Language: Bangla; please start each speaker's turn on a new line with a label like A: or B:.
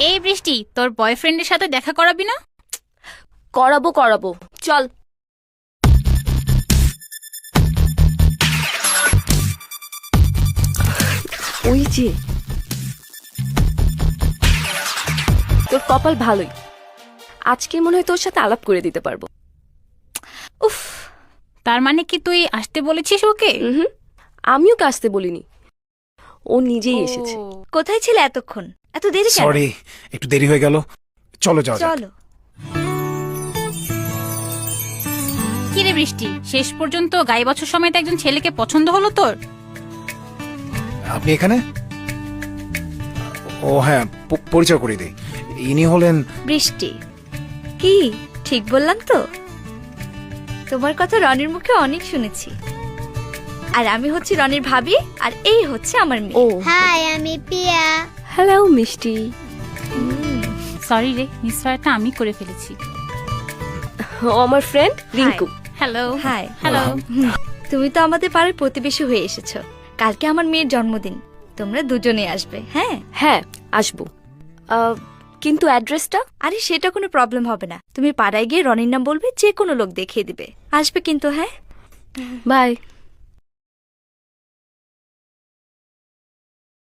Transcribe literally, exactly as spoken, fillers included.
A: এই বৃষ্টি, তোর বয়ফ্রেন্ডের সাথে দেখা করাবি না?
B: করাবো করাবো চল। ওই যে তোর কপাল ভালোই, আজকে মনে হয় তোর সাথে আলাপ করে দিতে পারবো।
A: উফ, তার মানে কি তুই আসতে বলেছিস ওকে?
B: হুম, আমিও ওকে আসতে বলিনি, ও নিজেই এসেছে।
C: কোথায় ছিলে এতক্ষণ? এত দেরি কেন?
D: সরি, একটু দেরি হয়ে গেল। চলো যাও যাক।
C: চলো।
A: কি রে বৃষ্টি, শেষ পর্যন্ত গাই বছর সমেত একজন ছেলেকে পছন্দ হলো তোর?
D: আপনি এখানে? ও হ্যাঁ, প- পরিচয় করে দিই। ইনি হলেন
C: বৃষ্টি। কি ঠিক বললাম তো? তোমার কথা রনির মুখে অনেক শুনেছি। আর আমি হচ্ছি রনির ভাবি, আর এই হচ্ছে আমার
B: ও
C: মেয়ে।
E: হাই, আমি পিয়া।
B: হ্যালো মিষ্টি।
A: সরি রে, নিশ্চয়টা আমি করে ফেলেছি।
B: ও আমার friend Rinku.
A: Hello.
C: Hi.
A: Hello.
C: তুমি তো আমাদের পাড়ার প্রতিবেশী হয়ে এসেছো। কালকে আমার মেয়ের জন্মদিন, তোমরা দুজনে আসবে। হ্যাঁ
B: হ্যাঁ আসবো, আহ, কিন্তু অ্যাড্রেসটা?
C: আরে সেটা কোনো প্রবলেম হবে না, তুমি পাড়ায় গিয়ে রনির নাম বলবে, যে কোনো লোক দেখিয়ে দিবে। আসবে কিন্তু। হ্যাঁ
B: বাই।